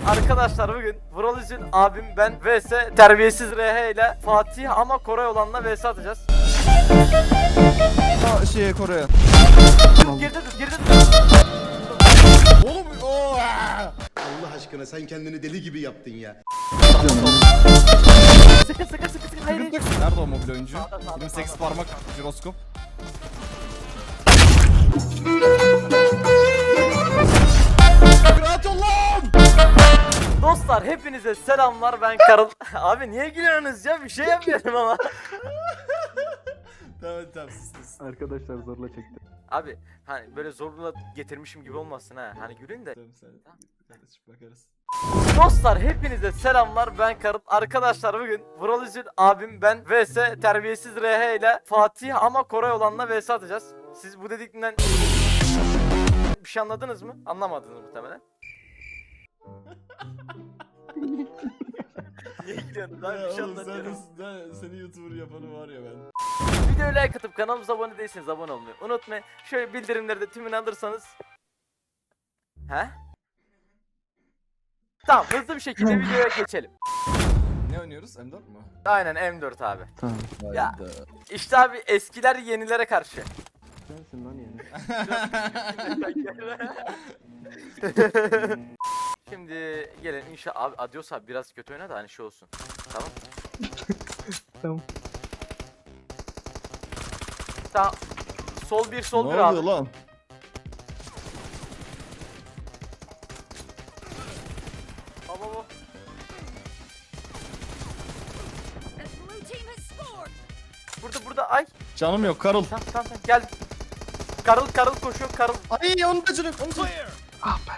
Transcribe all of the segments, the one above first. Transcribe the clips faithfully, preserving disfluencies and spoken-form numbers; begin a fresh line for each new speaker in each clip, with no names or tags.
Arkadaşlar bugün Vuraliz'in abim ben vs terbiyesiz R H ile Fatih ama Koray olanla vs atacağız.
Aa, şeye Kore'ye.
Girdi dur girdi dur.
Oğlum ooo.
Allah aşkına sen kendini deli gibi yaptın ya.
Sıkı sıkı sıkı sıkı hayır.
Nerede o mobil oyuncu?
Sağda, sağda,
yirmi sekiz
sağda.
parmak jiroskop. Rahat ol lan!
Dostlar hepinize selamlar, ben Karıl. Abi niye gülüyorsunuz ya, bir şey yapmıyorum ama.
Tamam tamam sus sus.
Arkadaşlar zorla çekti.
Abi hani böyle zorla getirmişim gibi olmasın ha, hani gülün de.
Tamam sen kardeşim bakarız.
Dostlar hepinize selamlar, ben Karıl. Arkadaşlar bugün Vuraliz'in abim ben vs terbiyesiz R H ile Fatih ama Koray olanla vs atacağız. Siz bu dedikten bir şey anladınız mı? Anlamadınız muhtemelen. Niye gülüyorsunuz abi, bir şey
Oğlum sen,
anlatıyorum.
sen, seni YouTuber yapanı var ya ben.
Videoyu like atıp kanalımıza abone değilseniz abone olmayı unutmayın. Şöyle bildirimleri de tümünü alırsanız. He? Tamam, hızlı bir şekilde videoya geçelim.
Ne oynuyoruz? M dört mü?
Aynen M dört abi.
Tamam.
Ya.
Hayda.
İşte abi eskiler yenilere karşı.
Sensin lan yani.
Şimdi gelin inşallah abi, Adios abi biraz kötü oyna da hani şey olsun. Tamam.
Tamam.
Tamam. Sol bir sol
Ne
bir
oluyor
abi.
lan?
Baba bu.
The blue team has scored.
Burada burada ay.
Canım yok Karıl.
Tamam tamam tamam gel. Karıl karıl koşuyor karıl.
Ay onu da canım yok. Onu da
Ah be.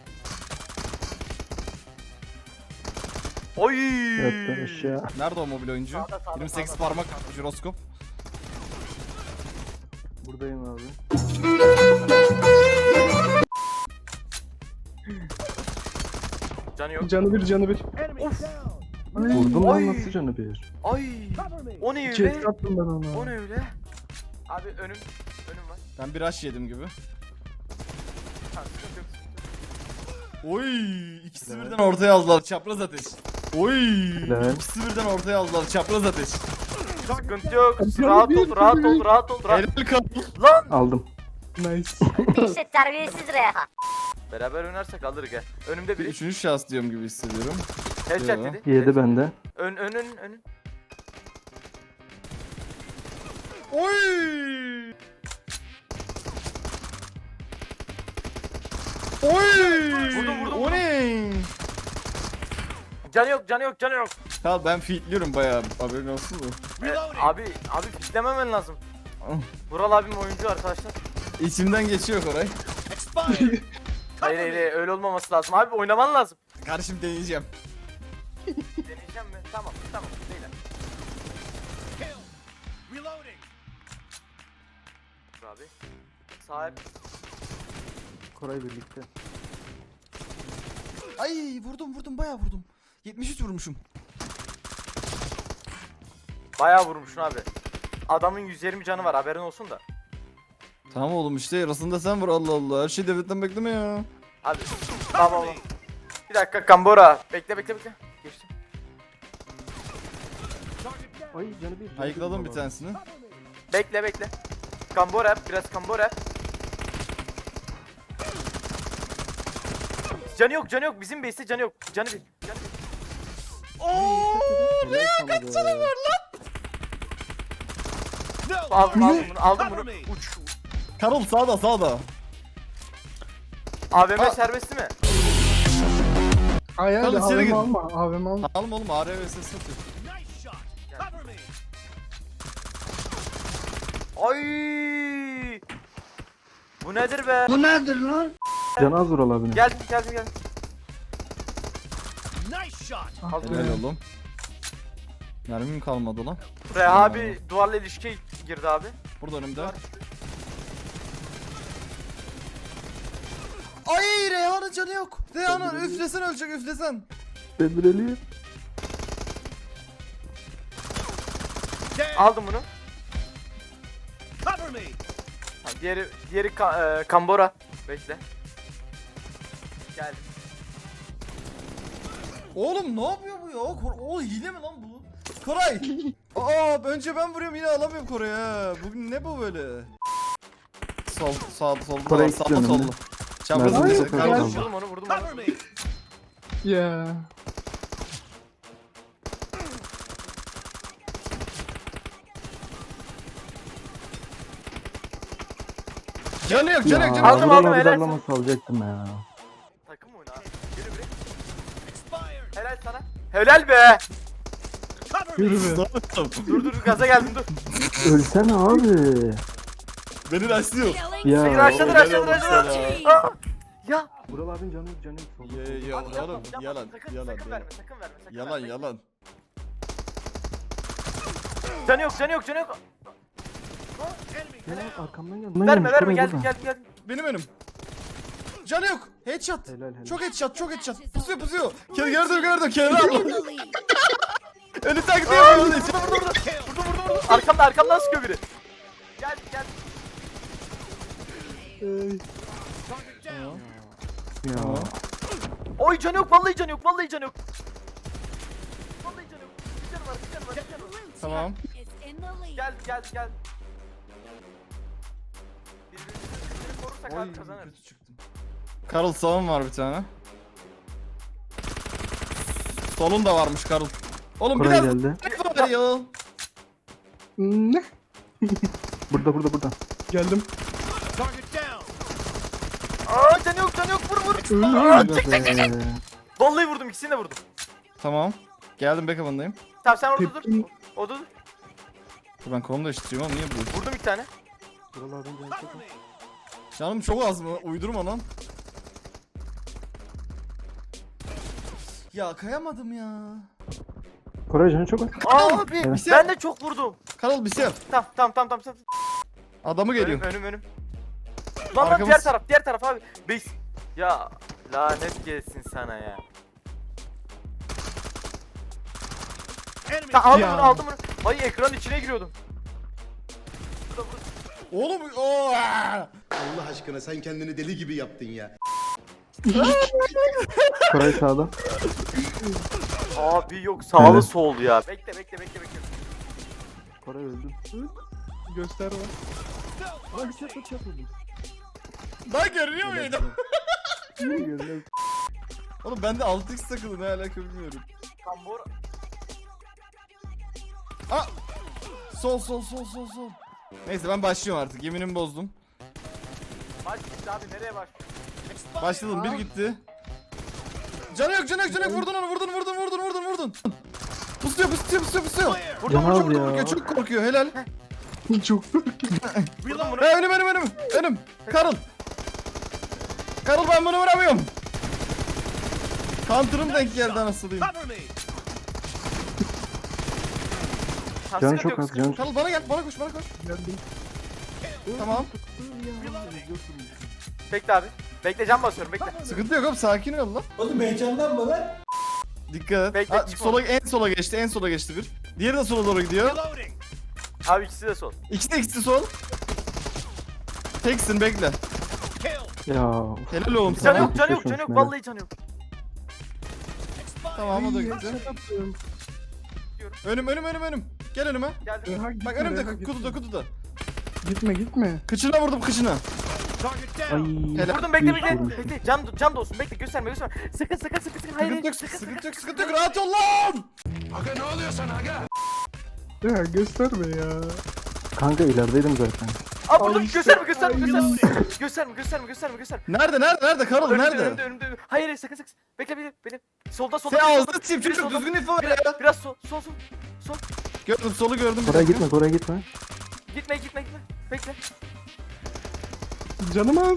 Oy.
Yattın aşağı.
Nerede o mobil oyuncu?
Sağda, sağda,
yirmi sekiz
sağda.
parmak jiroskop.
Buradayım abi.
Canı yok.
Canı bir canı bir.
Of.
Vurdum
Oy.
lan nasıl canı bir?
Ay. O ne
İki
öyle?
et attım ben
O
ona.
ne öyle? Abi önüm önüm var.
Ben bir aş yedim gibi.
Ha, sıkıntı yok, sıkıntı yok.
Oy ikisi birden ortaya aldılar çapraz ateş. Oy
Helal.
ikisi birden ortaya aldılar çapraz ateş.
Sıkıntı yok. Rahat ol, rahat ol, rahat ol, rahat.
Helal Karıl.
Lan!
Aldım. Nice.
İşte terbiyesiz Reha.
Beraber oynarsak alır gel. Önümde
Bir
biri.
üçüncü şahıs diyorum gibi hissediyorum.
Headshot
Yo.
dedi.
Yedi bende.
Ön önün önün.
Oy! Oy!
Vurdum, vurdum,
O
vurdum.
ne?
Canı yok, canı yok, canı yok.
Tamam ben feedliyorum bayağı haberin olsun mu?
Ee, abi, abi fitlememen lazım. Vural abim oyuncu arkadaşlar.
İçimden geçiyor Koray.
Hayır hayır hayır, öyle olmaması lazım. Abi oynaman lazım.
Kardeşim deneyeceğim.
Deneyeceğim mi? Tamam, tamam. Beyler. Dur abi. Sahip.
Koray birlikte.
Ay vurdum vurdum bayağı vurdum. yetmiş üç vurmuşum.
Bayağı vurmuşsun abi. Adamın yüz yirmi canı var, haberin olsun da.
Tamam oğlum işte yarısında sen vur Allah Allah. Her şey devletten bekleme ya.
Abi. Tamam tamam. Bir dakika Kambora. Bekle bekle bekle. Geçtim.
Ay canı bir. canı
Ayıkladım bir
baba.
tanesini.
Bekle bekle. Kambora yap, biraz Kambora yap. Canı yok, canı yok. Bizim base'te canı yok. Canı bir. Canı bir.
Helal sana be.
Aldım aldım bunu, aldım bunu. Uç.
Karol sağda sağda.
A V M
Aa.
serbest mi?
Ay
Oğlum,
hadi
içeri
A V M
gir.
alma. A V M alma.
Alma oğlum A R V S satıyor.
Ay! Bu nedir be?
Canı az Vural abinin.
Geldim geldim geldim. Az
Helal oğlum. Mermim kalmadı lan.
Reha abi duvarla ilişkiye girdi abi.
Burada önümde. Ay Reyhan'ın canı yok. Reyhan'ın üflesen ölecek üflesen.
Demireli.
Aldım bunu. Ha, diğeri diğeri ka- e, Kambora. Bekle. Geldim.
Oğlum ne yapıyor bu ya? Kor o hile mi lan bu? Koray! Aa önce ben vuruyorum yine alamıyorum Koray'ı ha. Bugün ne bu böyle? Sol, sağ, solda
Koray
var, sağda
gitti
solda.
önümde.
Çaprazın
Nerede?
bize.
Ay,
Kardeşim.
ay.
Vurdum onu vurdum onu.
Ya.
Canı yok, canı yok,
Ya,
canı yok.
Aldım,
Vural
aldım,
abi
helal
darlaması alacaktım ya.
Takım oyunu abi. Geri bir. Helal sana. Helal be.
Yürü be.
Dur dur gaza geldim dur.
Ölsene abi.
Beni rastlıyor.
Killing
Ya,
Seni raşladı
o
raşladı
helal olsun
raşladı.
sana.
Aa! Ya.
Vural abinin canı yok canı yok. Solda,
Ya,
solda.
ya,
Abi yapma,
oğlum,
yapma.
yalan,
Sakın,
yalan,
sakın
yalan.
verme sakın verme sakın
Yalan,
verme.
yalan.
Canı yok canı yok canı yok.
Ya arkamdan geldi.
Verme verme geldim geldim geldim.
Benim önüm. Canı yok. Headshot.
Helal helal.
Çok headshot, çok headshot. Pusuyor, pusuyor. Gel gördüm, gördüm. Kenara al.
the lead.
Önü taktiği yapıyor.
Vurdum vurdum vurdum. Vurdum vurdum vurdum. Arkamda arkamdan sıkıyor biri. Gel gel.
Ya.
Oy canı yok vallahi canı yok vallahi canı yok. Vallahi canı yok. Bir canı var bir canı var bir canı var.
Tamam.
Is in the lead.
Gel gel gel. Birbirimizi korursak abi kazanırız.
Karl sağım var bir tane. Solun da varmış Karl. Oğlum
Koray
biraz
geldi.
ne var ya?
Ne? Burada burada burada. Geldim.
Aa canı yok canı yok vur vur.
Öldü
çek, çek, çek, çek.
be.
Vallahi vurdum ikisini de vurdum.
Tamam. Geldim backup'ındayım.
Tamam sen orada dur.
Tepkim.
O da dur.
Dur ben kolumu değiştiriyorum ama niye bu?
Vurdum iki tane.
Vural abinin canı çok az.
Canım çok az mı? Uydurma lan. Ya kayamadım ya.
Koray canı çok az.
Abi
Evet.
ben de çok vurdum.
Karl bir şey yap.
Tamam tamam tamam tamam. tamam.
Adamı
Önüm
geliyor.
önüm önüm. Lan lan
Arkamız-
diğer taraf diğer taraf abi. Base. Ya lanet gelsin sana ya. Ta, aldım
Ya.
bunu aldım bunu. Ay ekran içine giriyordum.
Oğlum o.
Allah aşkına sen kendini deli gibi yaptın ya.
Koray sağda.
Abi yok sağlı
Evet.
sol ya. Bekle bekle bekle bekle.
Koray öldü. Göster bak. Lan bir çat çat öldü.
Lan görünüyor muydu?
Görünüyor.
Oğlum bende altı x takılı ne alaka bilmiyorum.
Tambor.
Aa! Sol sol sol sol sol. Neyse ben başlıyorum artık. Yeminimi bozdum.
Maç gitti abi nereye başlıyor?
Başladım bir gitti. Canı yok canı yok canı yok. Vurdun onu vurdun vurdun vurdun vurdun vurdun. Pusuyor pusuyor pusuyor pusuyor.
Vurdum
Can
vurdum
abi
vurdum.
ya.
Çok korkuyor helal.
Çok
Vurdum bunu.
Ha, önüm önüm önüm önüm. Karıl. Karıl ben bunu vuramıyorum. Counter'ım denk geldi anasını diyeyim.
Ha,
Canı
sıkıntı
çok
yok,
az
sıkıntı
canı
yok.
çok
Karıl bana gel bana koş bana koş.
Geldim.
Tamam.
Bekle abi. Bekle can basıyorum bekle.
Sıkıntı yok oğlum sakin ol lan.
Oğlum heyecanlanma lan.
Dikkat et.
Bekle,
Ha,
çıkma.
sola en sola geçti en sola geçti bir. Diğeri de sola doğru gidiyor.
Abi ikisi de sol.
İkisi de ikisi sol. Teksin bekle.
Ya.
Helal oğlum
Canı
sana.
yok canı yok
Geçmiş
canı yok
olsun,
vallahi canı yok.
Tamam o da gitti. Önüm önüm önüm önüm. Gel önüme.
Geldim.
Bak önümde kutuda kutuda.
Gitme gitme.
Kıçına vurdum kıçına.
Ay.
Helal.
Vurdum bekle
Yüz
bekle.
vurmuş.
Bekle can can da olsun bekle gösterme gösterme. Sıkın sıkın sıkın sıkın. Hayır.
Sıkıntı yok
Sıkın sıkın.
sıkıntı yok sıkıntı yok rahat ol lan.
Ya gösterme ya. Kanka ilerideydim zaten.
Aa vurdum
Ay işte,
gösterme gösterme
ay
gösterme. Gösterme gösterme gösterme gösterme.
Nerede nerede nerede Karol
Önümde
nerede?
önümde önümde. önümde. Hayır hayır sakın sakın. Bekle bekle bekle. Solda solda.
Sen
biri
ağzını
solda,
çiğ
biri
çocuk
solda.
düzgün info ver
Biraz,
ya.
biraz sol sol sol. Sol.
Gördüm solu gördüm.
Koray gitme Koray gitme.
Gitme gitme gitme. Bekle.
Canım az.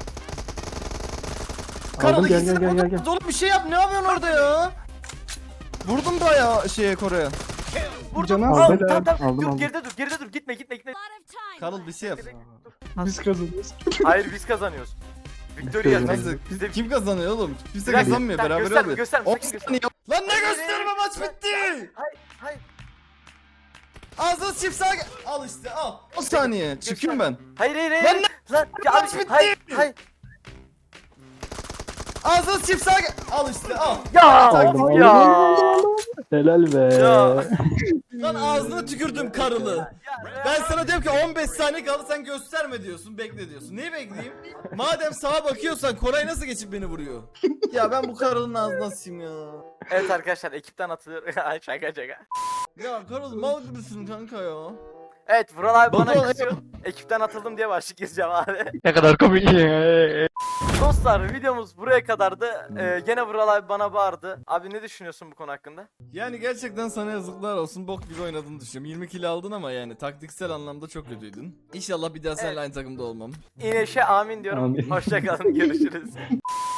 Karol
Aldım gel
ikisini
gel gel gel.
vurdum.
gel.
Oğlum bir şey yap ne yapıyorsun orada ya? Vurdum bayağı şeye Kore'ye.
Vurdum.
Canı
Al,
az.
tamam
Helal.
tamam.
Aldım,
dur
aldım.
geride dur geride dur. Gitme gitme gitme.
A lot of time.
Karol bir şey yap.
Bekle, bekle, dur.
Biz kazanıyoruz.
Hayır biz kazanıyoruz. Victoria
Victoria.
yazıyor.
Nasıl?
Bizde
Kim kazanıyor oğlum? Kimse
Biraz-
kazanmıyor
Tamam,
beraber
gösterme,
oluyor.
gösterme,
On
sakın
saniye. Lan ne gösterme maç bitti.
Hayır hayır.
Ağzını çift sağa gel- Al işte al. on saniye. Çıkıyorum ben.
Hayır hayır hayır.
Lan ne-
Lan ya
Maç
abi
bitti.
hayır hayır.
Ağzına sıçayım sağa gel. Al işte al.
Ya
Taktik
of ya.
Helal be.
Ya.
Lan ağzına tükürdüm karılı. Ben sana diyorum ki on beş saniye kaldı sen gösterme diyorsun, bekle diyorsun. Neyi bekleyeyim? Madem sağa bakıyorsan Koray nasıl geçip beni vuruyor? Ya ben bu karılın ağzına sıçayım ya.
Evet arkadaşlar ekipten atılıyor. Ay şaka şaka.
Ya karıl mal gibisin kanka ya.
Evet Vural abi bana
Batuhan,
kızıyor. Ekipten atıldım diye başlık yazacağım abi.
Ne kadar komik.
Dostlar videomuz buraya kadardı. Ee, gene Vural abi bana bağırdı. Abi ne düşünüyorsun bu konu hakkında?
Yani gerçekten sana yazıklar olsun, bok gibi oynadığını düşünüyorum. yirmi kill aldın ama yani taktiksel anlamda çok kötüydün. İnşallah bir daha seninle
Evet.
aynı takımda olmam.
İneşe amin diyorum.
Amin.
Hoşça kalın görüşürüz.